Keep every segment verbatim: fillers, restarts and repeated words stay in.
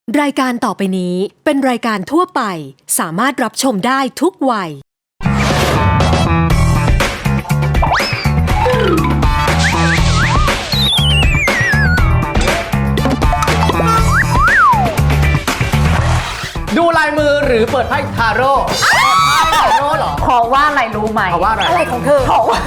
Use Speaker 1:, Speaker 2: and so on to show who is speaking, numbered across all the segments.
Speaker 1: รายการต่อไปนี้เป็นรายการทั่วไปสามารถรับชมได้ทุกวัย
Speaker 2: ดูลายมือหรือเปิดไพ่ทาโร่ทาโร่เหรอ
Speaker 3: เพราะว่าอะไรรู้ไหม
Speaker 2: เพราะว่าอะไร
Speaker 3: อะไรของเธอเพราะว่า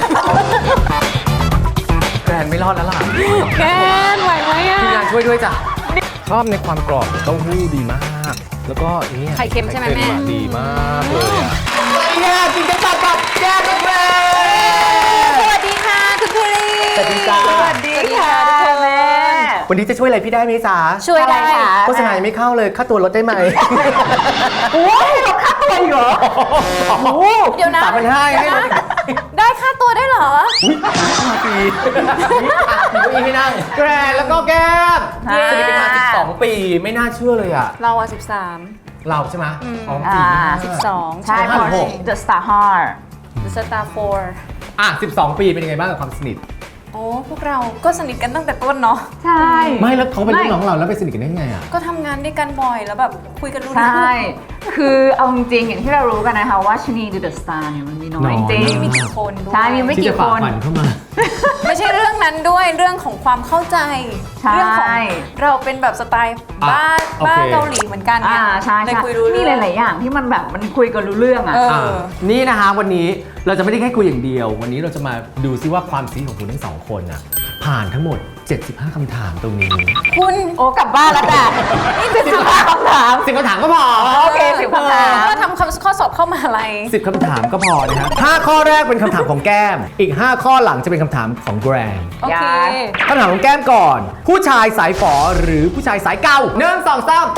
Speaker 2: แกรนไม่รอดแล้วล่ะ
Speaker 3: แกนไหวไหมอ่ะ
Speaker 2: ทีมงานช่วยด้วยจ้ะชอบในความกรอบของเต้าหู้ดีมาก แล้วก็เนี่ย
Speaker 3: ไข่เค็มใช่ไหมแม่
Speaker 2: ดีมากเลยอ่ะแย่จริงจะตัดกับแย่กับแกรน
Speaker 3: สวัสดีค่ะคุณภูริ
Speaker 2: สวัสดีจ้า
Speaker 3: สวัสดีค่ะทุกคนแม่
Speaker 2: วันนี้จะช่วยอะไรพี่ได้ไหมจ๊ะ
Speaker 3: ช่วยได้ค่ะ
Speaker 2: โฆษณายังไม่เข้าเลยค่าตัวลดได้ไหม
Speaker 3: โอ้ยลดค่าตัวอีกเหรอ เดี๋ยวนะ
Speaker 2: สามพันห้าให้ลด
Speaker 3: ได้ค่าตัวได้เหรอ
Speaker 2: อุ้ยมาปีมีเก้าอี้ให้นั่งแกรนแล้วก็แก้ม
Speaker 3: ค่ะ
Speaker 2: สนิทกันมาสิบสองปีไม่น่าเชื่อเลยอ่ะ
Speaker 3: เราอ่ะสิบสาม
Speaker 2: เราใช่ไหมอ๋อ
Speaker 3: อ่า
Speaker 2: ปี
Speaker 3: สิบ
Speaker 2: ห้า
Speaker 3: สอง
Speaker 2: ใช่
Speaker 3: พอ
Speaker 2: หก
Speaker 3: The Star Heart The Star Four
Speaker 2: อ่ะสิบสองปีเป็นยังไงบ้างกับความสนิท
Speaker 4: โอ้พวกเราก็สนิทกันตั้งแต่ต้นเนาะ
Speaker 3: ใช่
Speaker 2: ไม่แล้วเขาเป็นรุ่นน้องเราแล้วไปสนิทกันได้ไงอ่ะ
Speaker 4: ก็ทำงานด้วยกันบ่อยแล้วแบบคุยกันรู้
Speaker 3: ใช
Speaker 4: เรื่อง
Speaker 3: ่ คือเอาจริงๆอย่างที่เรารู้กันนะคะว่าชนีดู The Star เนี่ยมันมีน้อยจริง
Speaker 4: ไม่มีกี่คนด้วย
Speaker 3: ใช่มีไม่
Speaker 2: ที่
Speaker 3: กี่
Speaker 2: จะ
Speaker 3: ค
Speaker 2: ฝาก
Speaker 3: น
Speaker 2: ฝันเข้ามา
Speaker 4: ไม่ใช่เรื่องนั้นด้วยเรื่องของความเข้าใจ
Speaker 3: ใช่
Speaker 4: เรื่องของเราเป็นแบบสไตล์บ้า
Speaker 2: อ่ะโอเค
Speaker 4: บ้าเกาหลีเหมือนกันไง
Speaker 3: อ่าใช่
Speaker 4: เลย
Speaker 3: ใช่
Speaker 4: คุยรู้
Speaker 3: มี
Speaker 4: เรื่อง
Speaker 3: หลาย ๆ อย่างที่มันแบบมันคุยกันรู้เรื่องอ่ะ
Speaker 4: เออ
Speaker 2: อ่ะนี่นะคะวันนี้เราจะไม่ได้แค่คุยอย่างเดียว วันนี้เราจะมาดูซิว่าความซีของคุณทั้งสองคนอ่ะผ่านทั้งหมดเจ็ดสิบห้าคำถามตรงนี้
Speaker 4: คุณ
Speaker 3: โอ้กลับบ้านแล้วจ้ะนี่คือสิบห้าคำถาม
Speaker 2: สิบคำถามก็พอ
Speaker 3: โอเคสิบคำถาม
Speaker 4: ก็ทำคำข้อสอบเข้ามาอะไร
Speaker 2: สิบคำถามก็พอนะครับห้าข้อแรกเป็นคำถามของแก้ม อีกห้าข้อหลังจะเป็นคำถามของแกรน
Speaker 4: โอเค
Speaker 3: ย้าย
Speaker 2: คำถามของแก้มก่อน ผู้ชายสายฝอหรือผู้ชายสายเก่าหนึ่งสองสาม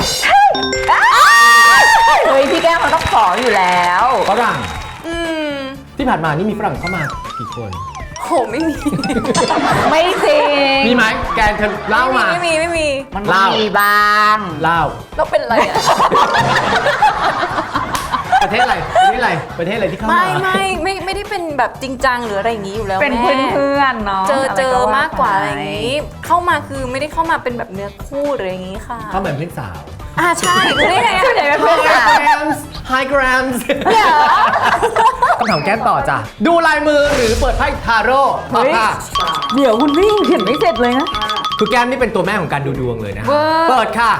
Speaker 3: เฮ้ยพี่แก้มมันต้องขออยู่แล้ว
Speaker 2: ฝรั่ง
Speaker 4: อืม
Speaker 2: ที่ผ่านมานี่มีฝรั่งเข้ามากี่คน
Speaker 4: โหไม่มี
Speaker 3: ไม่จริง
Speaker 2: มีไหมแกนเธอเล่ามา
Speaker 4: ไม่มีไม่มี
Speaker 3: มัน
Speaker 2: เล่า
Speaker 3: มีบ้าง
Speaker 2: เล่า
Speaker 4: เราเป็นอะไรอ่ะ
Speaker 2: ประเทศอะไร ประเทศอะไร ประเทศอะไรที่เข้ามา
Speaker 4: ไม่ไม่ไม่ไม่ได้เป็นแบบจริงจังหรืออะไรอย่างนี้อยู่แล้ว
Speaker 3: เป็น
Speaker 4: แม่
Speaker 3: เพื่อนๆเนาะ
Speaker 4: เจอเจอ
Speaker 3: ว่
Speaker 4: มากกว่าอะไรอย่างนี้ เข้ามาคือไม่ได้เข้ามาเป็นแบบเนื้อคู่หรืออย่างนี้ค่ะ
Speaker 2: เข้ามาเป็นเพื่อนสาว
Speaker 4: อ่าใช่รู้ได้ไง
Speaker 3: ชื่อไหน
Speaker 4: อะ
Speaker 3: เป็นเพื่อนกัน
Speaker 2: Grams Hi Grams คำถามแก้มต่อจ้ะ ดูลายมือหรือเปิดไพ่ทาโร่ตอบค่ะ
Speaker 3: เดี๋ยวคุณพี่ยังเขียนไม่เสร็จเลยนะ
Speaker 2: คือแก้มนี่เป็นตัวแม่ของการดูดวงเลยนะ
Speaker 3: เวอร์
Speaker 2: เปิดค่ะ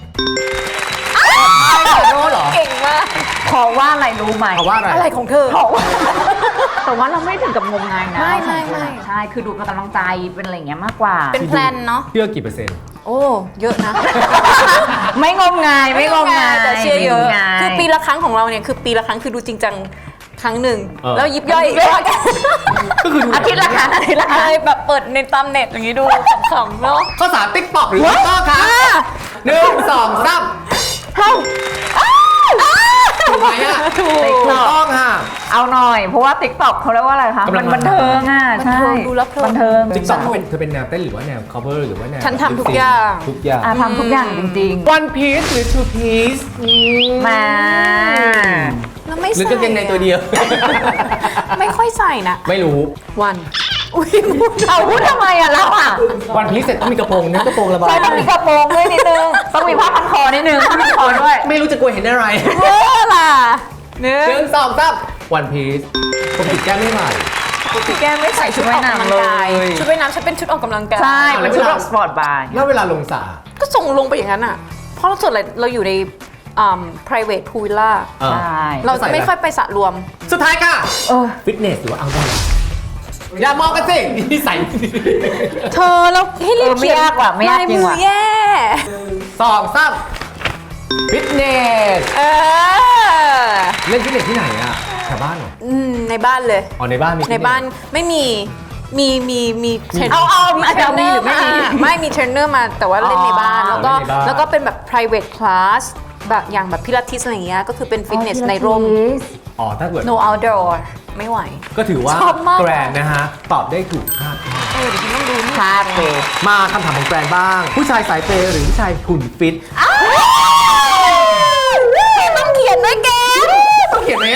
Speaker 2: ไพ่ทาโร่เหรอ
Speaker 4: เก่งมาก
Speaker 3: เพราะว่าอะไรรู้ไหม
Speaker 2: เพราะว่าอะไร
Speaker 4: อะไรของเธอ
Speaker 3: เพราะว่าแต่ว่าเราไม่ถึงกับงมงายนะ
Speaker 4: ไม่
Speaker 3: เราสองคน
Speaker 4: ไม่
Speaker 3: อะ
Speaker 4: ไม่
Speaker 3: ใช่ คือดูเป็นกำลังใจเป็นอะไรอย่างเงี้ยมากกว่า
Speaker 4: เป็นแพลนเนาะ
Speaker 2: เชื่อกี่เปอร์เซ็นต์
Speaker 4: โอ้เยอะนะ
Speaker 3: ไม่งมงายไม่งมงาย
Speaker 4: แต่เชียร์เยอะ
Speaker 3: ไม่งมงาย
Speaker 4: คือปีละครั้งของเราเนี่ยคือปีละครั้งคือดูจริงจังครั้งหนึ่ง
Speaker 2: เออ
Speaker 4: แล้วยิบย่อยอีกว่ากัน
Speaker 2: ก็คือดู
Speaker 3: อาทิตย์ละครั้งอาทิตย์ละค
Speaker 4: อะ
Speaker 3: รั้ง
Speaker 4: ไรแบบเปิดในตามเน็ตอย่างนี้ดูขำๆเนาะ
Speaker 2: ข้อสามติ๊กตอกหรือติ๊กตอกคะหนึ่งสองสาม
Speaker 3: เฮ้า
Speaker 2: ถูกไหมอ่ะถูกถูกต้องค่ะ
Speaker 3: เอาหน่อย เพราะว่าติ๊กต็อกเขาเรียกว่าอะไรคะ
Speaker 2: กำลั
Speaker 3: มั
Speaker 2: ง
Speaker 3: น
Speaker 2: มา
Speaker 3: บันเทิงอ่ะ
Speaker 4: บัน
Speaker 3: ใช่
Speaker 4: เทิงดูแล้วเพลิน
Speaker 3: บันเทิง
Speaker 2: ติ๊กตอกเป็นเธอเป็นแนวเต้นหรือว่าแนว cover หรือว่าแนว
Speaker 4: ฉันทำทุกอย่าง
Speaker 2: ทุกอย่าง
Speaker 3: อ่ะทำทุกอย่างจริง
Speaker 2: One Piece หรือ Two Piece
Speaker 3: ๆ มา
Speaker 4: แล้วไม่
Speaker 2: หรือ
Speaker 4: ใส่
Speaker 2: กางเกงในตัวเดียว
Speaker 4: ไม่ค่อยใส่นะ
Speaker 2: ไม่รู้
Speaker 4: วันอุ้ยพูด
Speaker 3: เอาพูดทำไมอ่ะเราอ่ะ
Speaker 2: One Piece เสร็จต้องมีกระโปรงนะกระโปรงระบาย
Speaker 3: ใช่ต้องมีกระโปรงด้วยนิดนึง ต้องมีผ้าพันคอนิดนึงผ้าพันคอด้วย
Speaker 2: ไม่รู้จะกลัวเห็นอะไร
Speaker 4: เออล่ะเนื้อ
Speaker 2: หนึ่งสองสาม One Piece ผมติดแก้มไม่ไหว
Speaker 4: พี่แก้มไม่ใส่ชุดออกกำลังกายชุดว่ายน้ำฉันเป็นชุดออกกำลังกาย
Speaker 3: ใช่ เป็นชุดแบบสปอร์ตบาร์
Speaker 2: แล้วเวลาลงสระ
Speaker 4: ก็ส่งลงไปอย่างนั้นอ่ะ เพราะเราส่วนใหญ่เราอยู่ในอ่า private pool villa
Speaker 2: เออ
Speaker 3: ใช่
Speaker 4: เราจะไม่ค่อยไปสระรวม
Speaker 2: สุดท้ายค่ะ
Speaker 3: เออ
Speaker 2: ฟิตเนสหรือว่าเอาดออย่ามองกันสินี่ใส่
Speaker 4: เธอเราให้รีบ
Speaker 3: เออไม่
Speaker 4: เขียน
Speaker 3: ยากว่ะไม่ยาก
Speaker 4: ลาย
Speaker 3: จริ
Speaker 4: มื
Speaker 3: ง
Speaker 4: อ
Speaker 3: ว่ะ
Speaker 4: แย่
Speaker 2: สองสามฟิตเนส
Speaker 4: เออ
Speaker 2: เล่นฟิตเนสที่ไหนอ่ะแถวบ้านเหรอ
Speaker 4: อืมในบ้านเลย
Speaker 2: อ๋อในบ้านมีฟิตเส
Speaker 4: ในบ้านไม่มีมีมีมีเทรน
Speaker 3: เอาเอาอาจจะมีหรือไม่มี
Speaker 4: ไม่มีเทรนเนอร์มาแต่ว่าเล่นในบ้าน
Speaker 3: อ๋อ
Speaker 4: แล้วก็
Speaker 2: เล่นในบ้าน
Speaker 4: แล้วก็เป็นแบบ private class แบบอย่างแบบพิลาทิสอะไรอย่างเงี้ยก็คือเป็นฟิตเนสในร่ม
Speaker 2: อ๋อถ้าเกิด
Speaker 4: no outdoor ไม่ไหว
Speaker 2: ก็ถือว่า
Speaker 4: ชอบมาก
Speaker 2: แกรนนะฮะ ตอบได้ถูกคาด
Speaker 4: เออเดี๋ยวฉันต้องดูนี่
Speaker 3: คาดเลย
Speaker 2: มาคำถามของแกรนบ้าง ผู้ชายสายเปย์หรือผู้ชายหุ่นฟิต
Speaker 4: ต้องเขียนด้วยแก
Speaker 2: ต้องเขียนไหมอ่ะ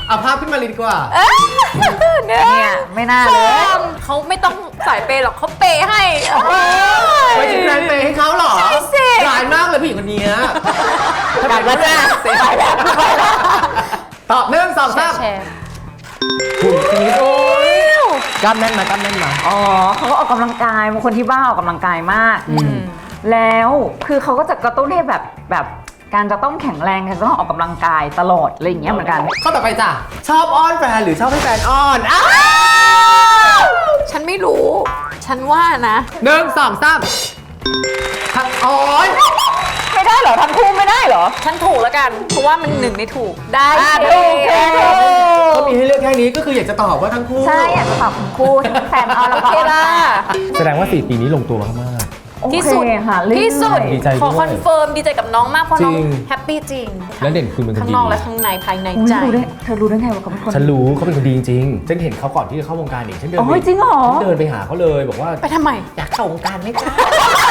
Speaker 2: เอาภาพขึ้นมาเลยดีกว่า
Speaker 4: เนี่ย
Speaker 3: เนี่ยไม่น่าเลย
Speaker 4: เขาไม่ต้องสายเปย์หรอกเขาเปย์ให้
Speaker 2: ไม่ใช่แกรนเปย์ให้เขาเหรอ
Speaker 4: ใช่สิ
Speaker 2: ร้ายมากเลยผู้หญิงคนนี้
Speaker 3: กลับมาจ้า
Speaker 2: ไปแล้วตอบหนึ่งสองสาม
Speaker 4: แชร์
Speaker 2: หุ่นทีโอ้ยกล้ามแน่นมากล้ามแน่นมา
Speaker 3: อ๋อเขาก็ออกกำลังกายบางคนที่บ้านออกกำลังกายมาก แล้วคือเขาก็จะกระตุ้นให้แบบแบบการจะต้องแข็งแรงการจะต้องออกกำลังกายตลอดอะไรอย่างเงี้ยเหมือนกัน
Speaker 2: ข้อต่อไปจ้ะชอบอ้อนแฟนหรือชอบให้แฟนอ้อนอ้าว
Speaker 4: ฉันไม่รู้ ฉันว่านะ
Speaker 2: หนึ่งสองสามทักอ้อน
Speaker 3: ไม่ได้เหรอทั้งคู่ไม่ได้เหรอ
Speaker 4: ฉันถูกแล้วกัน เพราะว่ามันหนึ่งในถูก ได้
Speaker 3: อ่ะ
Speaker 4: สิ
Speaker 3: ถูกถูก
Speaker 2: เขามีให้เลือกแค่นี้ก็คืออยากจะตอบว่าทั้งคู่
Speaker 3: ใช่อยากจะตอบทั้งคู่ทั้งแฟนเอาแล้ว
Speaker 4: โอ
Speaker 3: ก็
Speaker 4: เคล่ะ
Speaker 2: แสดงว่าสี่ปีนี้ลงตัวมาก
Speaker 3: โอเค
Speaker 4: ที่สุด
Speaker 3: ค่ะเรื่อยๆ
Speaker 4: ที่สุด
Speaker 2: ดีใจด้วย
Speaker 4: ขอคอนเฟิร์มดีใจกับน้องมาก เพราะน้อง
Speaker 2: จริง
Speaker 4: แฮปปี้จริง
Speaker 2: แล้วเด่นคุณเป็นคนดี
Speaker 4: ข้างนอกและข้างในภายใน
Speaker 3: อุ๊ย
Speaker 4: ใจ
Speaker 3: รู้ได้เธอรู้ได้ไงว่าเขาเป็นคน
Speaker 2: ฉันรู้เขาเป็นคนดีจริงๆฉันเห็นเขาก่อนที่จะเข้าวงการเองฉันเดิน
Speaker 3: โอ้
Speaker 2: ไป
Speaker 3: ยจริงเหรอ
Speaker 2: ฉันเดินไปหาเขาเลยบอกว่า
Speaker 4: ไปทำไม
Speaker 2: อยากเข้าวงการไหมจ๊ะ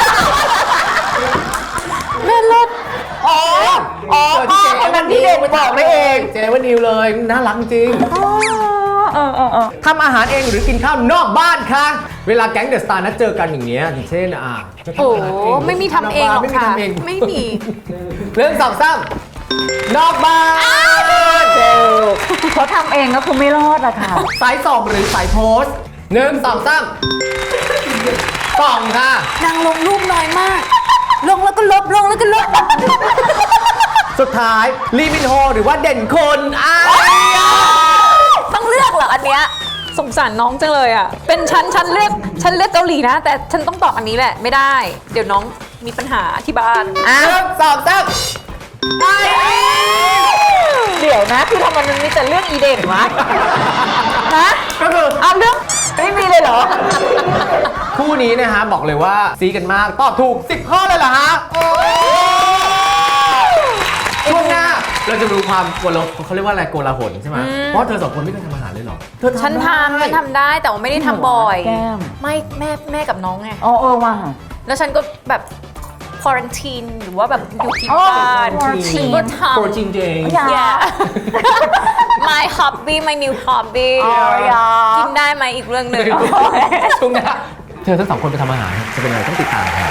Speaker 4: แม่เลิศ
Speaker 3: อ๋ออ๋อ
Speaker 2: เจอที่
Speaker 3: คนนั้นที่เด่นบอกได้เอง
Speaker 2: เจวันนิวเลยน่ารักจริง
Speaker 3: อ๋อเออเออเออ
Speaker 2: ทำอาหารเองหรือกินข้าวนอกบ้านคะเวลาแก๊งเดอะสตาร์นัดเจอกันอย่างเงี้ยอย่างเช่นอ่ะจะ
Speaker 4: โอ้
Speaker 2: ทำอาหารเอง
Speaker 4: ไม่มีทำเองหรอก
Speaker 2: ไม่มี
Speaker 4: ค่ะ
Speaker 2: ทำเอง
Speaker 4: ไม่มี
Speaker 2: เรื่องสองสามนอกบ้าน
Speaker 3: เจลเขาทำเองก็คือไม่รอดอะค่ะ
Speaker 2: สายส่องหรือสายโพสต์หนึ่งสองสามส่องค่ะ
Speaker 4: นางลงรูปน้อยมาก ลงแล้วก็ลบ ลงแล้วก็ลบ
Speaker 2: สุดท้ายลีมินโฮหรือว่าเด่นคนอ้าย
Speaker 4: ต้องเลือกเหรออันเนี้ยสงสารน้องจังเลยอ่ะ เป็นฉันฉันเลือกฉันเลือกเกาหลีนะ แต่ฉันต้องตอบอันนี้แหละไม่ได้ เดี๋ยวน้องมีปัญหาที่บ้าน
Speaker 2: หนึ่งสองสาม
Speaker 3: เดี๋ยวนะคือทำไมมันมีแต่เรื่องอีเด่นวะฮะ
Speaker 2: ก็คือ
Speaker 3: เอาเรื่องไม่มีเลยเหรอ
Speaker 2: คู่นี้นะฮะบอกเลยว่าซีกันมากตอบถูกสิบข้อเลยเหรอฮะช่วงหน้าเราจะรู้ความโกลาเขาเรียกว่าอะไรโกลาหลใช่ไหมเพราะเธอสองคนไม่เคยทำอาหารเลยเหรอเธอ
Speaker 4: ฉันทำฉันทำได้แต่ว่าไม่ได้ทำบ่อย
Speaker 3: แก้ม
Speaker 4: ไม่แม่แม่กับน้องไง
Speaker 3: อ๋อเออว่ะ
Speaker 4: แล้วฉันก็แบบควอรันทีนหรือว่าแบบอยู่ที่
Speaker 3: อ๋อ
Speaker 4: บ้าน
Speaker 3: quarantine
Speaker 4: ฉันก็ทำ
Speaker 2: โปรจริงจริง
Speaker 3: อย่า
Speaker 4: Yeah my hobby my new hobby
Speaker 3: อ๋ออย่า
Speaker 4: กินได้ไหมอีกเรื่องหนึ่ง
Speaker 2: ช่วงหน้าเธอทั้งสองคนไปทำอาหารจะเป็นอะไรต้องติดตามครับ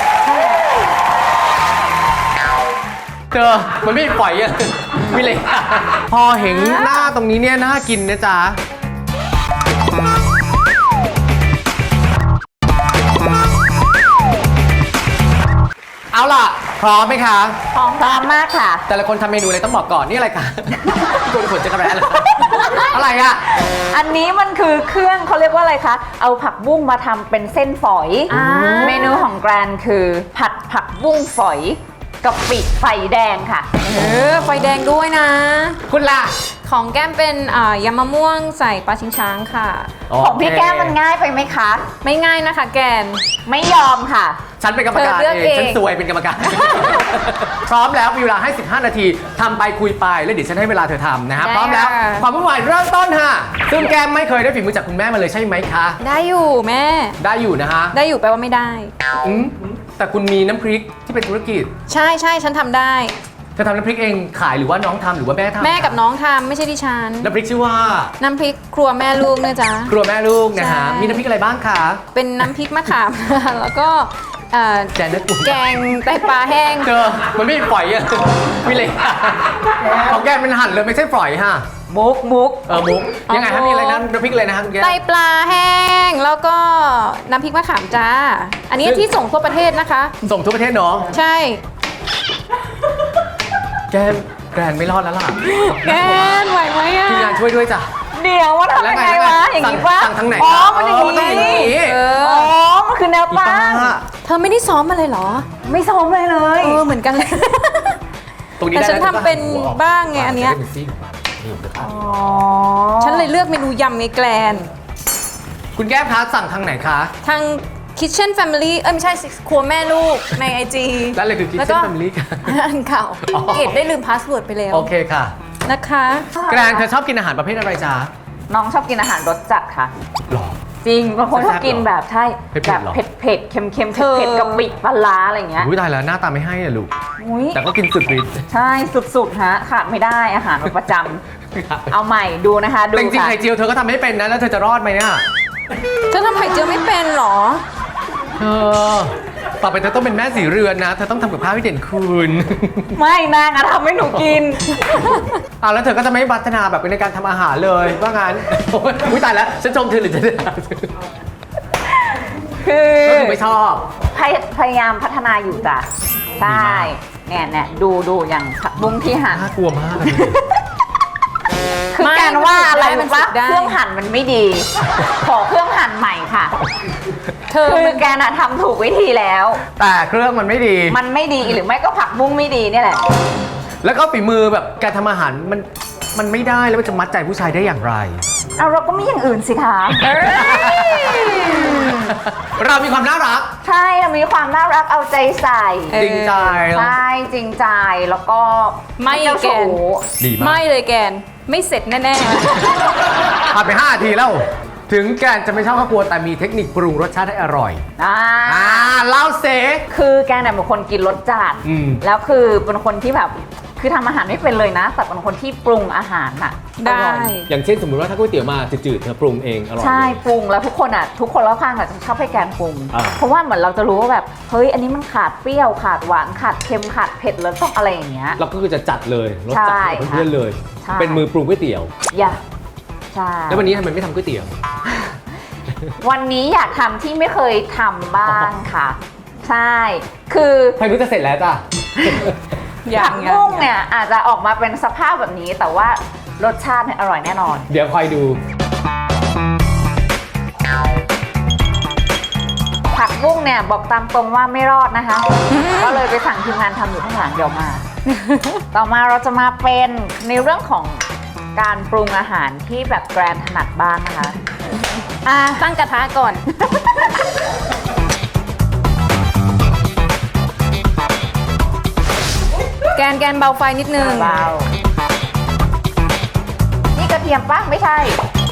Speaker 2: เธอมันไม่ปล่อยอะวิเลยพอเห็นหน้าตรงนี้เนี่ยน่ากินนะจ๊ะเอาล่ะพร้อมไหมคะ
Speaker 3: พร้อมพร้อมมากค่ะ
Speaker 2: แต่ละคนทำเมนูอะไรต้องบอกก่อนนี่อะไรคะตัวขนจะกระแร้เลยอะไรอะ
Speaker 3: อันนี้มันคือเครื่องเขาเรียกว่าอะไรคะ เอาผักบุ้งมาทำเป็นเส้นฝอย
Speaker 4: อ่า
Speaker 3: เมนูของแกรนคือ ผัดผักบุ้งฝอยกับปิไฟแดงค่ะ
Speaker 4: เออไฟแดงด้วยนะ
Speaker 2: คุณล่ะ
Speaker 4: ของแก้มเป็นอ่ายำมะม่วงใส่ปลาชิงช้างค่ะ
Speaker 3: ของพี่แก้มมันง่ายไปไหมคะ
Speaker 4: ไม่ง่ายนะคะแกน
Speaker 3: ไม่ยอมค่ะ
Speaker 2: ฉันเป็นกรรมการ
Speaker 4: เธอเลือก
Speaker 2: เอง
Speaker 4: เอง
Speaker 2: ฉันซวยเป็นกรรมการ พร้อมแล้วมีเวลาให้สิบห้านาทีทำไปคุยไปแล้วเดี๋ยวฉันให้เวลาเธอทำนะฮะพร้อมแล้วความวุ่นวายเริ่มต้นค่ะซึ่งแก้มไม่เคยได้ฝีมือจากคุณแม่มาเลยใช่ไหมคะ
Speaker 4: ได้อยู่แม่
Speaker 2: ได้อยู่นะฮะ
Speaker 4: ได้อยู่แปลว่าไม่ได้
Speaker 2: อืมแต่คุณมีน้ำพริกที่เป็นธุรกิจ
Speaker 4: ใช่ใช่ฉันทำได้
Speaker 2: เธอทำน้ำพริกเองขายหรือว่าน้องทำหรือว่าแม่ทำ
Speaker 4: แม่กับน้องทำไม่ใช่ดิฉัน
Speaker 2: น้ำพริกชื่อว่า
Speaker 4: น้ำพริกครัวแม่ลูกนะจ๊ะ
Speaker 2: ครัวแม่ลูกนะฮะ
Speaker 4: ใช่
Speaker 2: มีน้ำพริกอะไรบ้างคะ
Speaker 4: เป็นน้ำพริกมะขาม แล้วก็เอ่อ
Speaker 2: แกงเนื้อตุ๋น
Speaker 4: แกงไตปลาแห้ง
Speaker 2: เจอมันไม่ปล่อยอะวิเลยของแกเป็นหั่นเลยไม่ใช่ฝอยฮะ
Speaker 3: มุกมุก
Speaker 2: เออมุกยังไงฮะมีอะไรนะน้ำพริกอะไรนะฮะคุณแก
Speaker 4: ไตปลาแห้ง แล้วก็น้ำพริกมะขามจ้า อันนี้ที่ส่งทั่วประเทศนะคะ
Speaker 2: ส่งทั่วประเทศเนาะ
Speaker 4: ใช่
Speaker 2: แกแกรนไม่รอดแล้วล่ะ
Speaker 4: แกนไหวไหมอ่ะ
Speaker 2: ทีมงานช่วยด้วยจ้ะ
Speaker 3: เดี๋ยวว่าทำยังไงวะ อย่างนี้ปะ
Speaker 2: สั่งทางไหน
Speaker 3: อ๋อ
Speaker 2: คะ
Speaker 3: มันอย่าง
Speaker 2: อ๋อมันต้องอย่าง
Speaker 3: นี้
Speaker 2: นี้
Speaker 4: เอ
Speaker 3: อ๋
Speaker 4: อ
Speaker 3: อ มันคือแนว
Speaker 2: อี
Speaker 3: ตั้
Speaker 2: ป้าง
Speaker 4: เธอไม่ได้ซ้อมมาเลยเหรอ
Speaker 3: ไม่ซ้อมเลยเลย
Speaker 4: เออเหมือนกันเลย
Speaker 2: ตรงนี้
Speaker 4: แต่
Speaker 2: ได้
Speaker 4: ฉันทำเป็นบ้างไงอันเนี้ย
Speaker 2: จะด้เป็นซี่ของมันนี่เดี๋ยวครับ
Speaker 3: อ๋อ
Speaker 4: ฉันเลยเลือกเมนูยำไงแกลน
Speaker 2: คุณแก้มคะสั่งทางไหนคะ
Speaker 4: ทาง Kitchen Family เอ้ยไม่ใช่สิครัวแม่ลูกใน ไอ จี
Speaker 2: แล้วอะไรคือ Kitchen
Speaker 4: แล้วก็
Speaker 2: Family ค่ะ
Speaker 4: อันเก่า
Speaker 2: อ๋อ
Speaker 4: เกดได้ลืมพาสเวิร์ดไปแล้ว
Speaker 2: โอเคค่ะ
Speaker 4: นะคะ
Speaker 2: แกรนเธอชอบกินอาหารประเภทอะไรจ๊ะ
Speaker 3: น้องชอบกินอาหารรสจัดค่ะ
Speaker 2: หรอ
Speaker 3: จริงบางคนชอบกินแบบใช่
Speaker 2: เผ็ดๆ
Speaker 3: แบบ
Speaker 2: หรอ
Speaker 3: เผ็ดเผ็ดๆเค็มเค็ม
Speaker 4: เธอ
Speaker 3: เผ็ดๆกะปิปลาร้าอะไรอย่างเงี้ย
Speaker 2: อุ้ยตายแล้วหน้าตาไม่ให้อะลูก
Speaker 3: อุ้ย
Speaker 2: แต่ก็กินสุดฤทธิ์
Speaker 3: ใช่สุดๆฮะขาดไม่ได้อาหารประจำเอาใหม่ดูนะคะดู
Speaker 2: แต่จริงๆ
Speaker 3: ค่ะ
Speaker 2: ไข่เจียวเธอก็ทำไม่เป็นนะแล้วเธอจะรอดไหมเนี่ย
Speaker 4: เธอทำไข่เจียวไม่เป็นเหรอ
Speaker 2: เธอต่อไปเธอต้องเป็นแม่สีเรือนนะเธอต้องทำกับข้าวให้เด่นคุณ
Speaker 3: ไม่นางอะทำให้หนูกิน
Speaker 2: อ่ะแล้วเธอก็จะไม่พัฒนาแบบในการทำอาหารเลยว่างั้นโอ้ยอุ้ยตายแล้วฉันชมเธอหรือจะด่าเธอ
Speaker 3: คือ
Speaker 2: ก็คือไม่ชอบ
Speaker 3: พยพยายามพัฒนาอยู่จ้ะใช่เนี่ยเนี่ยดูดูอย่างผักบุ้งที่หั่น
Speaker 2: น่ากลัวมาก
Speaker 3: คือ
Speaker 4: ไม่
Speaker 3: การว่าอะไร
Speaker 4: มัน
Speaker 3: รู้
Speaker 4: ฝึ
Speaker 3: ปะ
Speaker 4: กได้
Speaker 3: เครื่องหั่นมันไม่ดี ขอเครื่องหั่นใหม่ค่ะ
Speaker 4: เธอ
Speaker 3: คือ
Speaker 4: มัน
Speaker 3: แกน่ะทำถูกวิธีแล้ว
Speaker 2: แต่เครื่องมันไม่ดี
Speaker 3: มันไม่ดีหรือไม่ก็ผักบุ้งไม่ดีเนี่ยแหละ
Speaker 2: แล้วก็ฝีมือแบบการทำอาหารมันมันไม่ได้แล้วมันจะมัดใจผู้ชายได้อย่างไร
Speaker 3: เอาเราก็มีอย่างอื่นสิคะ
Speaker 2: เรามีความน่ารัก
Speaker 3: ใช่เรามีความน่ารักเอาใจใส่
Speaker 2: จริงใจ
Speaker 3: ใช่จริงใจแล้วก็
Speaker 4: ไม่
Speaker 3: เจ้า
Speaker 4: แกน
Speaker 3: ชู้
Speaker 2: ดีมาก
Speaker 4: ไม่เลยแกนไม่เสร็จแน่
Speaker 2: ผ่านไปห้านาทีแล้ว ถึงแกนจะไม่ชอบข้าวกลัวแต่มีเทคนิคปรุงรสชาติให้อร่อย
Speaker 3: อ่า
Speaker 2: อ่าเล่าเซ
Speaker 3: คือแกเนี่ยเป็นคนกินรสจัด
Speaker 2: อืม
Speaker 3: แล้วคือเป็นคนที่แบบคือทำอาหารไม่เป็นเลยนะ แต่เป็นคนที่ปรุงอาหารน่ะ
Speaker 4: ๆ ได้
Speaker 3: อร่อย
Speaker 2: อย่างเช่นสมมติว่าถ้าก๋วยเตี๋ยวมาจืดๆเธอปรุงเองอร่อย
Speaker 3: ใช่ปรุงแล้วทุกคนอ่ะทุกคนรอบข้างอ่ะจะชอบให้แกนปรุง
Speaker 2: อ่า
Speaker 3: เพราะว่าเหมือนเราจะรู้ว่าแบบเฮ้ยอันนี้มันขาดเปรี้ยวขาดหวานขาดเค็มขาดเผ็ดแล้วต้องอะไรอย่างเงี้ย
Speaker 2: เราก็คือจะจัดเลยรสจัด
Speaker 3: ใช่
Speaker 2: กับเพื่อนๆเลย
Speaker 3: ใช่
Speaker 2: เป็นมือปรุงก๋วยเตี๋ยว
Speaker 3: อย่าใช่
Speaker 2: แล้ววันนี้ทำไมไม่ทำก๋วยเตี๋ยว
Speaker 3: วันนี้อยากทำที่ไม่เคยทำบ้างค่ะ ใช่ คือ
Speaker 2: ใครรู้จะเสร็จแล้วจ้ะ
Speaker 4: อย่า
Speaker 3: ผั
Speaker 4: ง
Speaker 3: ก
Speaker 4: งั้น
Speaker 3: บุ้งเนี่ยอาจจะออกมาเป็นสภาพแบบนี้ แต่ว่ารสชาติเนี่ยอร่อยแน่นอน
Speaker 2: เดี๋ยวคอยดู
Speaker 3: ผักบุ้งเนี่ยบอกตามตรงว่าไม่รอดนะคะ ก็เลยไปสั่งทีมงานทำอยู่ข้างหลังเดี๋ยวมา ต่อมาเราจะมาเป็นในเรื่องของการปรุงอาหารที่แบบแกรนถนัดบ้างนะคะ
Speaker 4: อ่ะตั้งกระทะก่อน แกนแกนเบาไฟนิดนึง
Speaker 3: เบานี่กระเทียมป้งไม่ใช่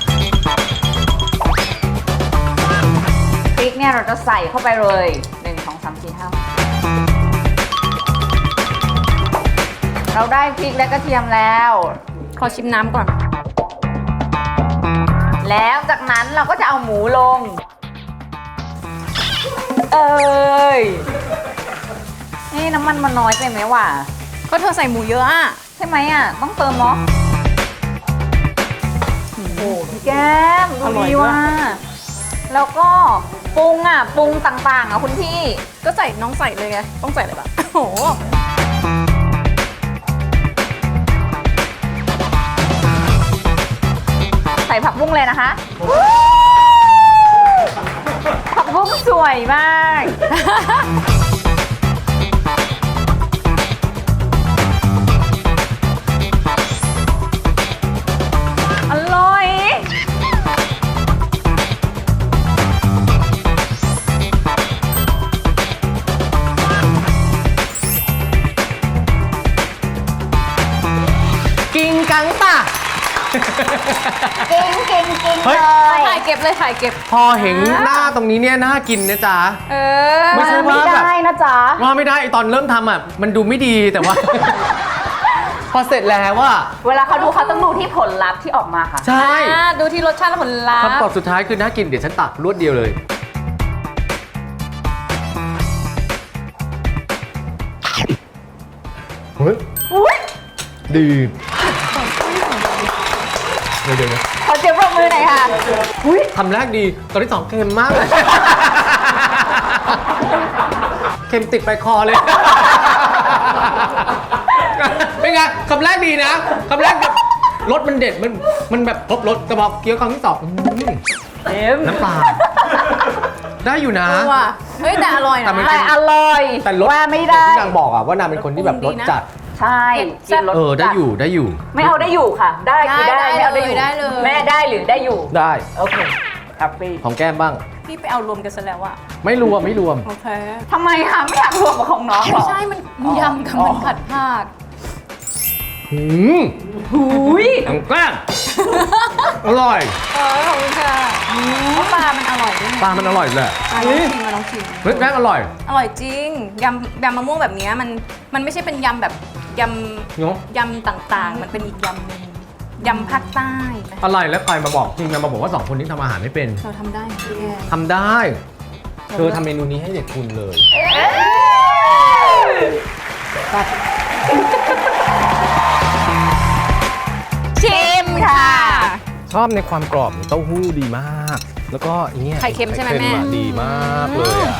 Speaker 3: พริกเนี่ยเราจะใส่เข้าไปเลยหนึ่ง สอง สาม สี่ ห้าเราได้พริกและกระเทียมแล้ว
Speaker 4: ขอชิมน้ำก่อน
Speaker 3: แล้วจากนั้นเราก็จะเอาหมูลง เอ้ยนี่น้ำมันมันน้อยไปไหมวะ
Speaker 4: ก็เธอใส่หมูเยอะอ่ะ
Speaker 3: ใช่ไหมอ่ะ ต้องเติมเนาะโอ้โหพี่แก้มดู
Speaker 4: อร่อย
Speaker 3: ดี
Speaker 4: ด้วย
Speaker 3: ว่ะแล้วก็ปรุงอ่ะปรุงต่างๆอ่ะคุณพี่
Speaker 4: ก็ใส่น้องใส่เลยไง ต้องใส่เลยปะโอ้โห
Speaker 3: ใส่ผักบุ้งเลยนะคะ ผักบุ้งสวยมาก อร่อย
Speaker 2: กิงกังป่ะ
Speaker 3: เก่งเก่งเก่ง
Speaker 2: เฮ้
Speaker 3: เลย ย
Speaker 4: ถ่ายเก็บเลยถ่ายเก็บ
Speaker 2: พอเห็นหน้าตรงนี้เนี่ยน่ากินนะจ๊ะ
Speaker 4: เออ
Speaker 2: ไม่ใช่
Speaker 3: ไม่
Speaker 2: ว่าแบบ
Speaker 3: ได้นะจ๊ะ
Speaker 2: ว่าไม่ได้ตอนเริ่มทำอ่ะมันดูไม่ดีแต่ว่า พอเสร็จแล้วว่า
Speaker 3: เวลาเขาดูเขาต้องดูที่ผลลัพธ์ที่ออกมาค่ะ
Speaker 2: ใช่
Speaker 4: อ่าดูที่รสชาติและผลลัพ
Speaker 2: คำตอบ
Speaker 4: ธ์
Speaker 2: สุดท้ายคือน่ากินเดี๋ยวฉันตักรวดเดียวเลยเฮ้ย
Speaker 3: อุ๊ย
Speaker 2: ดีเดี๋ยวเดี๋ยวนะ
Speaker 3: ขอเสียงปรบมือหน่อยค่ะ อุ๊ย
Speaker 2: คำแรกดีตอนที่สองเค็มมากเลย เค็มติดไปคอเลย เป็นไงคำแรกดีนะคำแรกแบบรสมันเด็ดมันมันแบบครบรสแต่พอเคี้ยวคำที่สองอื้อหือ
Speaker 3: เอ็ม
Speaker 2: น้ำปลาได้อยู่นะ
Speaker 4: เออว่ะเฮ้ยแต่อร่อย
Speaker 2: แต่
Speaker 4: นะ
Speaker 2: มัน
Speaker 3: แต่อร่อย
Speaker 2: แต่รส
Speaker 3: ว่าไม่ได้
Speaker 2: ที่นางบอกอะว่านางเป็นคนที่แบบรสจัด
Speaker 3: ใช่กินรส
Speaker 2: เออได้อยู่ได้อยู่
Speaker 3: ไม่เอาได้อยู่ค่ะ ได้คือได้ไม่เอาได้อยู่
Speaker 4: ได้เลย
Speaker 3: แม่ได้หรือได้อยู่
Speaker 2: ได้
Speaker 3: โอเคแฮปปี้
Speaker 2: ของแก้มบ้าง
Speaker 4: พี่ไปเอารวมกันซะแล้วอะ
Speaker 2: ไม่รวมไม่รวม
Speaker 4: โอเค
Speaker 3: ทำไมคะไม่อยากรวมกับของน้องเหร
Speaker 4: ไม่
Speaker 3: อ
Speaker 4: ใช่มันยำกับมันผัดผัก
Speaker 2: หืมหุยอังแก้มอร่อย
Speaker 4: เออขอบคุณค่ะเพราะปลามันอร่อยด้วยไง
Speaker 2: ปลามันอร่อยแหละ
Speaker 4: อ่ะลองชิมมาลองชิม
Speaker 2: เฮ้ยแก้มอร่อย
Speaker 4: อร่อยจริงยำยำมะม่วงแบบเนี้ยมันมันไม่ใช่เป็นยำแบบย
Speaker 2: เนาะ
Speaker 4: ำยำต่างๆ มันเป็นอีกยำหนึงยำภาคใต้นะ
Speaker 2: อะไรแล้วใครมาบอกจริงๆมาบอกว่าสองคนนี้ทำอาหารไม่เป็น
Speaker 4: เราทำได้พี่แก
Speaker 2: ทำได้เธอทำเมนูนี้ให้เด็กคุณเลย
Speaker 4: ชิมค่ะ
Speaker 2: ชอบในความกรอบของเต้าหู้ดีมาก แล้วก็อันเนี้ย
Speaker 4: ไข่เค็มใช่ไหมแม่
Speaker 2: ข่อะดีมากเลยอ่ะ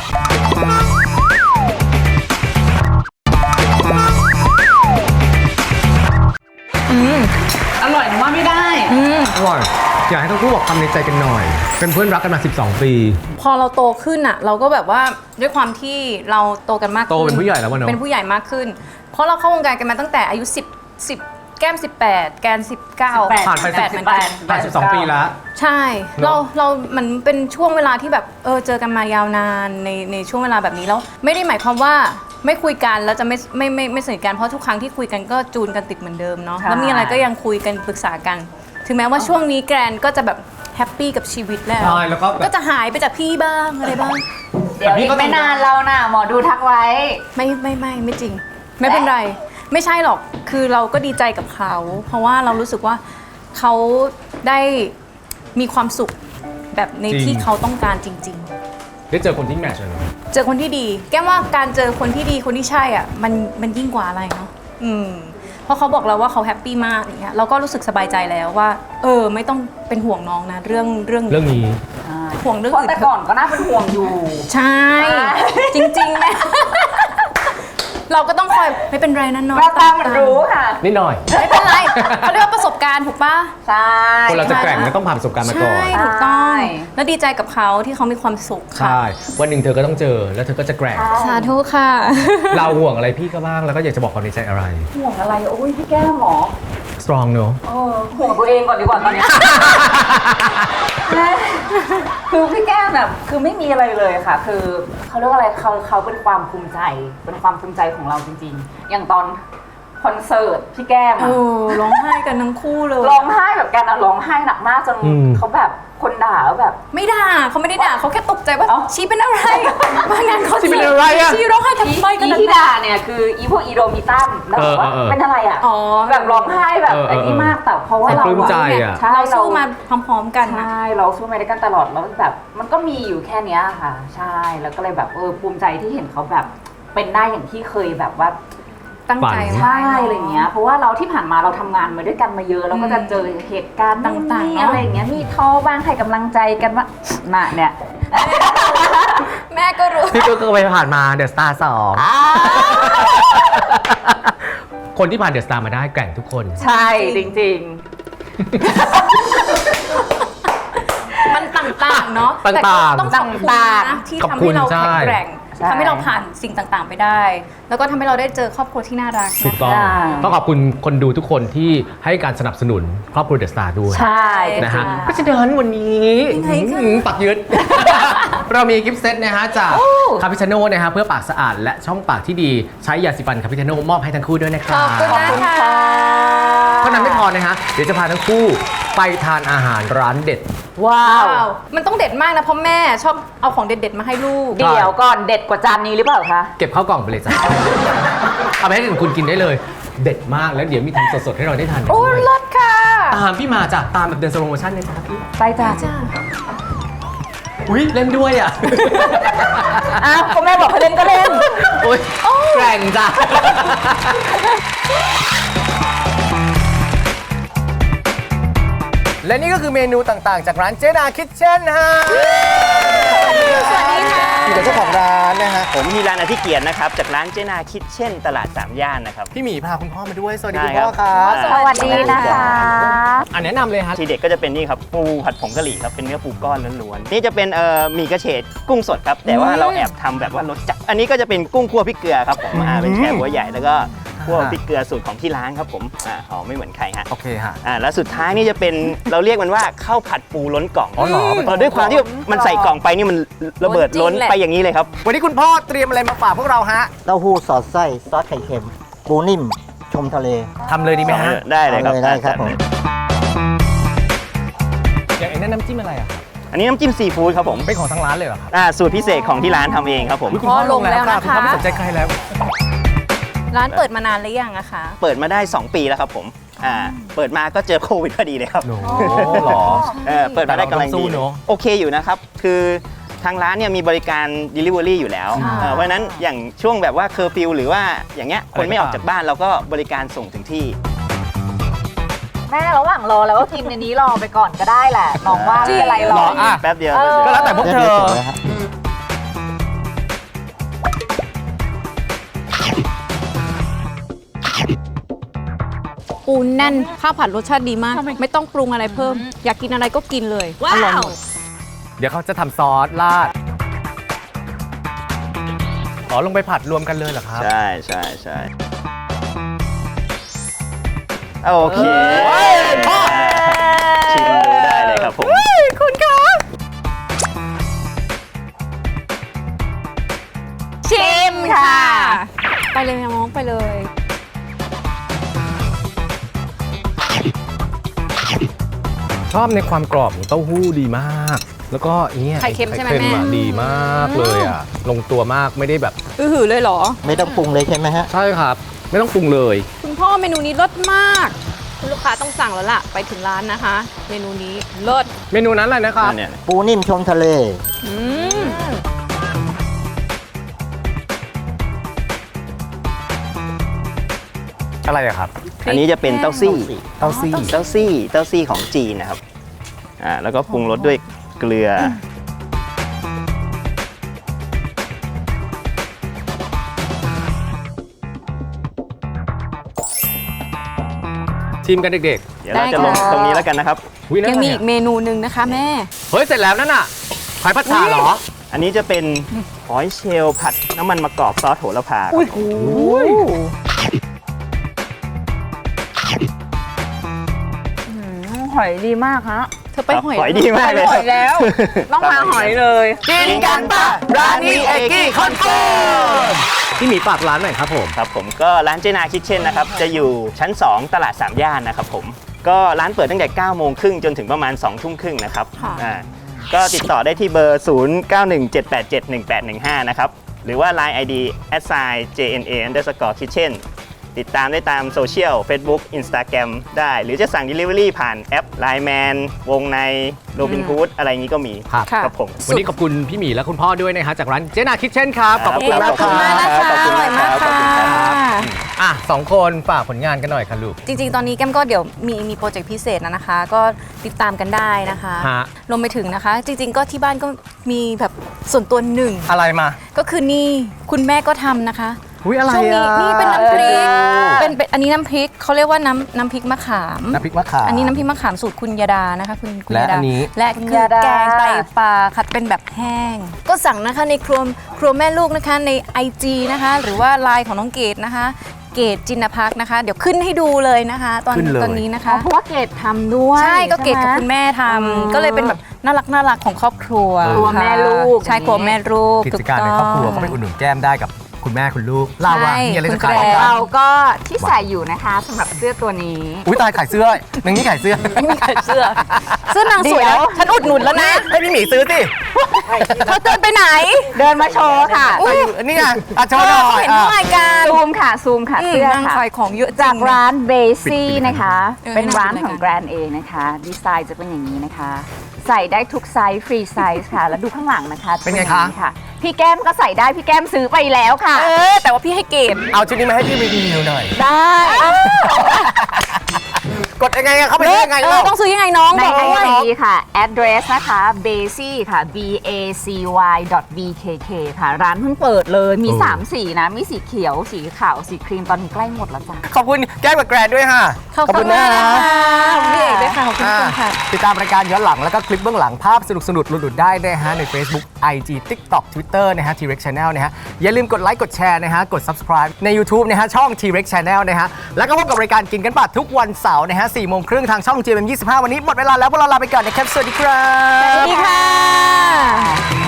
Speaker 3: อร่อยหนูว่าไม่ได้
Speaker 2: อร่อย อยากให้ทั้งคู่บอกคำในใจกันหน่อย เป็นเพื่อนรักกันมา สิบสอง ปี
Speaker 4: พอเราโตขึ้นอ่ะ เราก็แบบว่าด้วยความที่เราโตกันมากขึ้น
Speaker 2: โตเป็นผู้ใหญ่แล้ววะเนอะ
Speaker 4: เป็นผู้ใหญ่มากขึ้น เพราะเราเข้าวงการกันมาตั้งแต่อายุ10 10แก้มสิบแปดแกนสิบเก้า
Speaker 2: ผ่านไป
Speaker 4: แปด
Speaker 2: สิ
Speaker 4: เหมื
Speaker 2: บ
Speaker 4: อนกัน
Speaker 2: ผ่านสิบสองปีแล้ว
Speaker 4: ใช่
Speaker 2: เนอะ
Speaker 4: เราเรามันเป็นช่วงเวลาที่แบบเออเจอกันมายาวนานในในช่วงเวลาแบบนี้แล้วไม่ได้หมายความว่าไม่คุยกันแล้วจะไม่ไม่ไม่ไม่สนิทกันเพราะทุกครั้งที่คุยกันก็จูนกันติดเหมือนเดิมเนาะ
Speaker 3: ใช่
Speaker 4: แล้วมีอะไรก็ยังคุยกันปรึกษากัน ถึงแม้ว่าช่วงนี้แกรนก็จะแบบแฮปปี้กับชีวิตแล้ว
Speaker 2: ใช่แล้วก็แบบ
Speaker 4: ก็จะหายไปจากพี่บ้างอะไรบ้าง
Speaker 3: เดี๋ยวอีกไม่นานเราน่ะหมอดูทักไว้
Speaker 4: ไม่ไม่ไม่ไม่จริง ไม่เป็นไร ไม่ใช่หรอกคือเราก็ดีใจกับเขา เพราะว่าเรารู้สึกว่าเขาได้มีความสุขแบบใน
Speaker 2: จริง
Speaker 4: ที่เขาต้องการจริง
Speaker 2: ได้เจอคนที่แมทช์เลยเนอะ
Speaker 4: ๆ เจอคนที่ดี แก้มว่าการเจอคนที่ดีคนที่ใช่อ่ะมันมันยิ่งกว่าอะไรเนาะอืมเพราะเขาบอกเราว่าเขาแฮปปี้มากอย่างเงี้ยเราก็รู้สึกสบายใจแล้วว่า เออไม่ต้องเป็นห่วงน้องนะเรื่องเรื่อง
Speaker 2: เรื่องนี้
Speaker 4: ห่วงเรื่อง
Speaker 3: เพราะ
Speaker 4: อื่น
Speaker 3: แต่
Speaker 4: เถ
Speaker 3: ก่อ
Speaker 4: อะ
Speaker 3: นก็น่าเป็นห่วงอยู่
Speaker 4: ใช่ จริงๆแม่ เราก็ต้องคอยไม่เป็นไรนะน้อง
Speaker 3: แววตามันรู้ค่ะ
Speaker 2: นิดหน่อย
Speaker 4: ไม่เป็นไรเขาเรียกว่าประสบการณ์ถูกปะ
Speaker 3: ใช่
Speaker 2: คนเราจะแกร่งก็ต้องผ่านประสบการณ์มาก่อน
Speaker 4: ใช่ถูกต้อง แล้วดีใจกับเขาที่เขามีความสุขค่ะ
Speaker 2: ใช่ วันหนึ่งเธอก็ต้องเจอ แล้วเธอก็จะแกร่ง
Speaker 4: สาธุค่ะ
Speaker 2: เราห่วงอะไรพี่ก็บ้าง แล้วก็อยากจะบอกความในใจอะไร
Speaker 3: ห่วงอะไร โอ้ยพี่แก้มหมอ
Speaker 2: strong เนอะ
Speaker 3: เออห่วงตัวเองก่อนดีกว่าตอนเนี้ย คือพี่แก้มแบบคือไม่มีอะไรเลยค่ะ คือเขาเรียกว่าอะไรเขาเขาเป็นความภูมิใจ เป็นความภูมิใจของเราจริงๆ อย่างตอนคอนเสิร์ตพี่แก้ม
Speaker 4: เอ
Speaker 3: อะ
Speaker 4: อร้องไห้กันทั้งคู่เลย
Speaker 3: ร้องไห้แบบกันอะร้องไห้หนักมากจน
Speaker 2: อืม
Speaker 3: เขาแบบคนด่าว่าแบบ
Speaker 4: ไม่ด่าเขาไม่ได้ด่าเขาแค่ตกใจว่า
Speaker 3: เอ้า
Speaker 4: ชีเป็นอะไรมางานเขา
Speaker 2: ชีเป็นอะไรอะ
Speaker 4: ชีร้องไห้ทำไมกัน
Speaker 3: อี
Speaker 4: นัก
Speaker 3: ที่
Speaker 4: หนา
Speaker 3: ด่าเนี่ยคืออีพวกอีโดมิตัมแล้วบอกว่า
Speaker 2: เออเออเออ
Speaker 3: เป็นอะไรอ่ะ
Speaker 4: อ๋อ
Speaker 3: แบบร้องไห้แบบ
Speaker 2: เออเออ
Speaker 3: ไอ้นี่มากแต่เพราะว่า
Speaker 2: แต่
Speaker 3: เรา
Speaker 2: ปลื้มใจ
Speaker 3: อะ
Speaker 2: อะ
Speaker 3: ใช่
Speaker 4: เรา
Speaker 3: เรา
Speaker 4: สู้มาพร้อมๆกันนะ
Speaker 3: ใช่เราสู้มาด้วยกันตลอดแล้วแบบมันก็มีอยู่แค่เนี้ยค่ะ ใช่แล้วก็เลยแบบเออภูมิใจที่เห็นเขาแบบเป็นได้อย่างที่เคยแบบว่า
Speaker 4: ตั้งใจ
Speaker 2: ฝัน
Speaker 3: ใช่อะไรเงี้ยเพราะว่าเราที่ผ่านมาเราทำงานมาด้วยกันมาเยอะเราก็จะเจอเหตุการณ์
Speaker 4: ต่างๆ
Speaker 3: ๆ
Speaker 4: เนอะ
Speaker 3: อะไรอย่างเงี้ยมีท้อบ้างให้กำลังใจกันว่าน่ะเนี่ย
Speaker 4: แม่ก็รู้
Speaker 2: พี่ก็เคยผ่านมาเดอะสตาร์สองคนที่ผ่านเดอะสตาร์มาได้แกร่งทุกคน
Speaker 3: ใช่จริง
Speaker 4: มันต่างๆเนาะ
Speaker 2: ต่างๆ
Speaker 4: แต่ก็ต้องขอบคุณ
Speaker 3: ต่าง
Speaker 4: นะ
Speaker 3: ๆ
Speaker 4: ที่
Speaker 2: ขอบ
Speaker 4: ทำ
Speaker 2: คุ
Speaker 4: ให้
Speaker 2: ณ
Speaker 4: เรา
Speaker 2: ใช่
Speaker 4: แข็งแกร่ง
Speaker 3: ใช่
Speaker 4: ทำให้เราผ่านสิ่งต่างๆไปได้ แล้วก็ทำให้เราได้เจอครอบครัวที่น่ารัก
Speaker 2: ถูก
Speaker 4: นะ
Speaker 2: ต้อง
Speaker 3: ใช่
Speaker 2: ต้องขอบคุณคนดูทุกคนที่ให้การสนับสนุนครอบครัวเดอะสตาร์ด้วย
Speaker 3: ๆ ใช่
Speaker 2: นะฮะ
Speaker 3: ค่
Speaker 2: เพราะฉะนั้นวันนี้
Speaker 4: ยังไงคะ
Speaker 2: อืมปักยึด เรามีกิฟต์เซตนะฮะจากคาปิชโน่นะฮะเพื่อปากสะอาดและช่องปากที่ดีใช้ยาสีฟันคาปิชโน่มอบให้ทั้งคู่ด้วยนะค
Speaker 4: ข
Speaker 2: รั
Speaker 4: อ
Speaker 2: บบ
Speaker 4: คุณนะคะ
Speaker 2: เท่านั้นไม่พอนะฮะเดี๋ยวจะพาทั้งคู่ไปทานอาหารร้านเด็ด
Speaker 3: ว้า
Speaker 4: ว้าว ว มันต้องเด็ดมากนะ เพราะแม่ชอบเอาของเด็ดๆมาให้ลูก
Speaker 2: ใช่
Speaker 3: เดี๋ยวก่อนเด็ดกว่าจานนี้หรือเปล่าคะ
Speaker 2: เก็บเข้ากล่องไปเลยจ้ะ เอาไปให้ถึงคุณกินได้เลย เด็ดมากแล้วเดี๋ยวมีทำสดๆให้เราได้ทานกัน
Speaker 4: โอ้
Speaker 2: ด้วย
Speaker 4: รสค่ะ
Speaker 2: ตามพี่มาจ้ะตามแบบเดินสโลโมชั่นเลยจ้ะพี่
Speaker 3: ไปจ้า
Speaker 4: จ้า
Speaker 2: อุ้ยเล่นด้วยอ่ะ
Speaker 3: อ้าวก็แม่บอกให้เล่นก็เล่น
Speaker 2: โอ้ยแกร่งจ้ะ และนี่ก็คือเมนูต่างๆ จากร้านเจดาคิทเช่นฮะ
Speaker 4: สวัสดีค่ะ
Speaker 2: อยู่กับเจ้าของร้านนะฮะ
Speaker 5: ผมมีร้านอธิเกียรตินะครับ จากร้านเจนาคิทเช่นตลาดสามย่านนะครับ
Speaker 2: พี่หมีพาคุณพ่อมาด้วย สวัสดี
Speaker 5: ได้
Speaker 2: คุณพ่อค
Speaker 5: ครั
Speaker 2: รับ
Speaker 5: บ
Speaker 3: สวัสดีนะคะ
Speaker 2: อ่ะแนะนำเลยฮะ
Speaker 5: ทีเด็ดก็จะเป็นนี่ครับปูผัดผงกะหรี่ครับเป็นเนื้อปูก้อนล้วนๆนี่จะเป็นเอ่อหมี่กระเฉดกุ้งสดครับแต่ว่าเราแอบทำแบบว่ารสจัดอันนี้ก็จะเป็นกุ้งคั่วพริกเกลือครับผมอ่าเป็นแช่หัวใหญ่แล้วก็คั่วพริกเกลือสูตรของที่ร้านครับผมอ่าหอมไม่เหมือนใครฮะ
Speaker 2: โอเคฮะ
Speaker 5: อ่าแล้วสุดท้ายนี่จะเป็นเราเรียกมันว่าข้าวผัดปูล้นกล่อง
Speaker 2: อ๋อเหรอเป็น
Speaker 5: เออด้วยความที่มันใส่กล่องไปนี่มันระเบิดล้นไปอย่างนี้เลยครับ
Speaker 2: วันนี้คุณพ่อเตรียมอะไรมาฝากพวกเราฮะ
Speaker 6: เต้าหู้สอดไส้ซอสไข่เค็ม ปูนิ่มชมทะเล
Speaker 2: ทำเลยดีไหมฮะ
Speaker 5: ได้เลยครับ
Speaker 6: อาได้ครับผม
Speaker 2: อย่างไอ้นั่นน้ำจิ้มอะไรอ่ะ
Speaker 5: อันนี้น้ำจิ้มซีฟู้ดครับผม
Speaker 2: เป็นของทางร้านเลยเหรอครับ
Speaker 5: อ่าสูตรพิเศษของที่ร้านทำเองครับผม
Speaker 2: อุ๊ยคุณพ่อลงแล้วค่ะ
Speaker 4: ลงแล้วนะคะ
Speaker 2: คุณพ่อไม่สนใจใครแล้ว
Speaker 4: ร้านเปิดมานานหรือยังอะคะ
Speaker 5: เปิดมาได้ สอง ปีแล้วครับผมอ่าเปิดมาก็เจอโควิดพอดีเลยครับ
Speaker 2: โอ้หรอ
Speaker 5: เออเปิดมาได้กำลัง
Speaker 2: แต่เราต้องสู้
Speaker 5: ดี
Speaker 2: เนอะ
Speaker 5: โอเคอยู่นะครับ คือทางร้านเนี่ยมีบริการ Delivery อยู่แล้ว
Speaker 4: ค่ะ
Speaker 5: เออเพราะฉะนั้นอย่างช่วงแบบว่าเคอร์ฟิวหรือว่าอย่างเงี้ยคนไม่ออกจากบ้านเราก็บริการส่งถึงที่
Speaker 3: แม่ระหว่างรอแล้วก็กินในนี้รอไปก่อนก็ได้แหละน้องว่าไม่เป็นไรหร
Speaker 2: หร
Speaker 3: อ
Speaker 2: อก อ่ะ
Speaker 5: แป๊บเดียว
Speaker 3: เออ
Speaker 2: ก็แล้วแต่พวกเธ
Speaker 6: เรียบ
Speaker 2: อ
Speaker 6: ร้อยแล้วฮะ
Speaker 4: ปูแน่นข้าวผัดรสชาติดีมาก ไม่ต้องปรุงอะไรเพิ่ม อยากกินอะไรก็กินเลยอร่อยหมด
Speaker 2: เดี๋ยวเขาจะทำซอสราดอ๋อลงไปผัดรวมกันเลยเหรอครับ
Speaker 5: ใช่ใช่ใช่โอเค
Speaker 2: เฮ้ยพ่อ
Speaker 5: ชิมดูได้เลยครับผม
Speaker 2: คุณคะ
Speaker 4: ชิมค่ะ ไปเลยน้องไปเลย
Speaker 2: ชอบในความกรอบของเต้าหู้ดีมาก แล้วก็เนี่ย
Speaker 4: ไข่เค็มใช่ไหม
Speaker 2: ข่อะ
Speaker 4: แม่
Speaker 2: ดีมากเลยอ่ะ ลงตัวมากไม่ได้แบบ
Speaker 4: อือหือเลยเหรอ
Speaker 6: ไม่ต้องปรุงเลยใช่ไหมฮะ
Speaker 2: ใช่ครับ ไม่ต้องปรุงเลย
Speaker 4: คุณพ่อเมนูนี้เลิศมาก คุณลูกค้าต้องสั่งแล้วล่ะ ไปถึงร้านนะคะ เมนูนี้เลิศ
Speaker 2: เมนูนั้นอะไรนะครับ
Speaker 5: เนี่ย
Speaker 6: ปูนิ่มชมทะเล
Speaker 4: อืม
Speaker 2: อะไรอะครับ
Speaker 5: อันนี้จะเป็นเต้าซี่
Speaker 2: เต้าซี่
Speaker 5: เต้าซี่เต้าซี่ของจีนนะครับอ่าแล้วก็ปรุงรสด้วยเกลือ
Speaker 2: ชิมกันเด็ก
Speaker 5: เดี๋ยวเราจะลงตรงนี้แล้วกันนะครับ
Speaker 2: ๆอุ๊นั่น
Speaker 4: ยัง
Speaker 2: อะไร
Speaker 4: มีอีก
Speaker 2: อะ
Speaker 4: เมนูหนึ่งนะคะแม่
Speaker 2: เฮ้ย เสร็จแล้วนั่นน่ะหอยผัดชาเหรอ
Speaker 5: อันนี้จะเป็นหอยเชลล์ผัดน้ำมันมะกอกซอสโหระพาครับ
Speaker 3: หอยดีมากฮะ
Speaker 4: เธอไปหอย
Speaker 5: หอยดีมากเลย
Speaker 3: หอยแล้ว ต้องมาหอยเลย
Speaker 2: กินกันปะร้านนี้เอกกี้คอนเฟิร์มพี่หมีฝากร้านหน่อยครับผม
Speaker 5: ครับผมก็ร้านเจนาคิทเช่นนะครับ จะอยู่ชั้น สอง ตลาดสามย่านนะครับผม ก็ร้านเปิดตั้งแต่เก้าโมงครึ่งจนถึงประมาณสองทุ่มครึ่งนะครับ
Speaker 4: ค่ะ
Speaker 5: อ่าก็ติดต่อได้ที่เบอร์ ศูนย์ เก้า หนึ่ง เจ็ด แปด เจ็ด หนึ่ง แปด หนึ่ง ห้า นะครับ หรือว่า ไลน์ ไอ ดี แอท ไซน์ เจ เอ็น เอ underscore kitchen ติดตามได้ตามโซเชียล Facebook Instagram ได้ หรือจะสั่ง Delivery ผ่านแอป ไลน์ แมน วงใน โรบินฮูดอะไรอย่างนี้ก็มี
Speaker 2: ครับ
Speaker 4: ค่ะ
Speaker 5: ครับผม
Speaker 2: วันนี้ขอบคุณพี่หมีและคุณพ่อด้วยนะฮะจากร้านเจนาคิทเช่นครับ ขอบ
Speaker 5: ข
Speaker 2: คุณ
Speaker 5: อบ
Speaker 2: มาก
Speaker 4: ขอบคุณมากนะคะ
Speaker 5: ขอบคุณ
Speaker 4: อร่อย
Speaker 5: มาม
Speaker 4: าก ก
Speaker 5: ครับ
Speaker 4: ค่ะ
Speaker 5: ขอบคุณครับ
Speaker 2: อ่ะสองคนฝากผลงานกันหน่อยค่ะลูก
Speaker 4: จริงๆ ตอนนี้แก้มก็เดี๋ยวมีมีโปรเจกต์พิเศษนะนะคะ ก็ติดตามกันได้นะคะ
Speaker 2: ฮะ
Speaker 4: รวมไปถึงนะคะ จริงๆ ก็ที่บ้านก็มีแบบส่วนตัวหนึ่ง
Speaker 2: อะไรมา
Speaker 4: ก็คือนี่คุณแม่ก็ทำนะคะ
Speaker 2: อุ้ยอะไร
Speaker 4: ช่วงนี้
Speaker 2: อ่ะ
Speaker 4: นี่เป็นน้ำพริก
Speaker 3: เออ
Speaker 4: เป็นเป็นอันนี้น้ำพริกเขาเรียกว่าน้ำน้ำพริกมะขาม
Speaker 2: น้ำพริกมะขาม
Speaker 4: อันนี้น้ำพริกมะขามสูตรคุณยาดานะคะคุณคุณ
Speaker 2: และ
Speaker 4: ยาดา
Speaker 2: อันนี้
Speaker 4: และคือแกงไตปลาค่ะเป็นแบบแห้ง ก็สั่งนะคะในครัวครัวแม่ลูกนะคะใน ไอ จี นะคะ หรือว่าไลน์ของน้องเกดนะคะ เกดจินพักนะคะ เดี๋ยวขึ้นให้ดูเลยนะคะ ตอน
Speaker 2: ขึ้นเลย
Speaker 4: ตอนนี้นะคะ
Speaker 3: เพราะว่าเกดทำด้วย
Speaker 4: ใช่ก็เกดกับ
Speaker 3: ใช่ไหม
Speaker 4: คุณแม่ทำ
Speaker 3: อืม
Speaker 4: ก็เลยเป็นแบบน่ารักน่ารักของครอบครัว
Speaker 3: ครัวแม่ลูก
Speaker 4: ใช่ครัวแม่ลูก
Speaker 2: กิจการในครอบครัวก็ไปอุดหนุนแก้มได้กับคุณแม่คุณลูกเล่าว่ามีอะไรจะขาย
Speaker 4: คุณแกร
Speaker 2: บ้าง
Speaker 3: เราก็ที่ใส่อยู่นะคะสำหรับเสื้อตัวนี้
Speaker 2: อุ้ยตายขายเสื้อหนึ่งนี่ขายเสื้อ
Speaker 4: ไม่มีใครเสื้อเสื้อนางสวย
Speaker 3: เดี๋
Speaker 4: แล้
Speaker 3: ยว ว
Speaker 4: ฉันอุดหนุนแล้วนะ
Speaker 2: ให้พี่หมีซื้อสิ
Speaker 4: เธอเดินไปไหน
Speaker 3: เดินมาโชว์ค่ะ
Speaker 2: ใส่อยู่นี่ไงอ่ะโชว์หน่อย
Speaker 4: เห็นทั้งรายการ
Speaker 3: ซูมค่ะ ซูมค่ะ
Speaker 4: อืม
Speaker 3: เสื้อน
Speaker 4: าง
Speaker 3: ค่ะ
Speaker 4: ขายของเยอะจริง
Speaker 3: จากร้านเบซี่นะคะ
Speaker 4: เออ
Speaker 3: เป็นร้าน
Speaker 4: ให้
Speaker 3: ข
Speaker 4: น่า
Speaker 3: อง
Speaker 4: กิน
Speaker 3: แกรนเองนะคะ ดีไซน์จะเป็นอย่างนี้นะคะ ใส่ได้ทุกไซส์ฟรีไซส์ค่ะ แล้วดูข้างหลังนะคะ
Speaker 2: เป็นไง
Speaker 3: จ
Speaker 2: คะ
Speaker 3: อย่าค่ะ พี่แก้มก็ใส่ได้ พี่แก้มซื้อไปแล้วค่ะ
Speaker 4: เออ แต่ว่าพี่ให้เกรด
Speaker 2: เอาชุดนี้มาให้พี่รีวิวหน่อย
Speaker 3: ได้
Speaker 2: กดยังไงอะเข้าไปได้ยังไง
Speaker 4: เออ
Speaker 2: เล่า
Speaker 4: ต้องซื้อยังไงน้อง
Speaker 3: ใน
Speaker 4: บอก
Speaker 3: ไอ
Speaker 4: ด้วย
Speaker 3: จีค่ะ address นะคะ bacy ค่ะ b a c y b k k ค่ะ ร้านเพิ่งเปิดเลย มี
Speaker 2: โอ้
Speaker 3: สาม สีนะ มีสีเขียว สีขาว สีครีม ตอนนี้ใกล้หมดแล้วจ้ะ
Speaker 2: ขอบคุณแก้มกับแกรนด้วยค่ะ
Speaker 4: ขอบคุณมากค่ะขอบคุณพี่เอกด้วยค่ะขอบคุณทุกคนค่ะ
Speaker 2: ติดตามรายการย้อนหลังแล้วก็คลิปเบื้องหลังภาพสนุกๆหลุดๆได้นะฮะใน Facebook ไอ จี TikTok Twitter นะฮะ T-Rex Channel นะฮะอย่าลืมกดไลค์กดแชร์นะฮะกด Subscribe ใน YouTube นะฮะช่อง T-Rex Channel นะฮะแล้วก็พบกับรายการกินกันป่ะทุกวันเสาร์นะฮะสี่โมงครึ่งทางช่อง จี เอ็ม ยี่สิบห้า วันนี้หมดเวลาแล้วพวกเราลาไปก่อนนะครับสวัสดีครับ
Speaker 4: สวัสดีค่ะ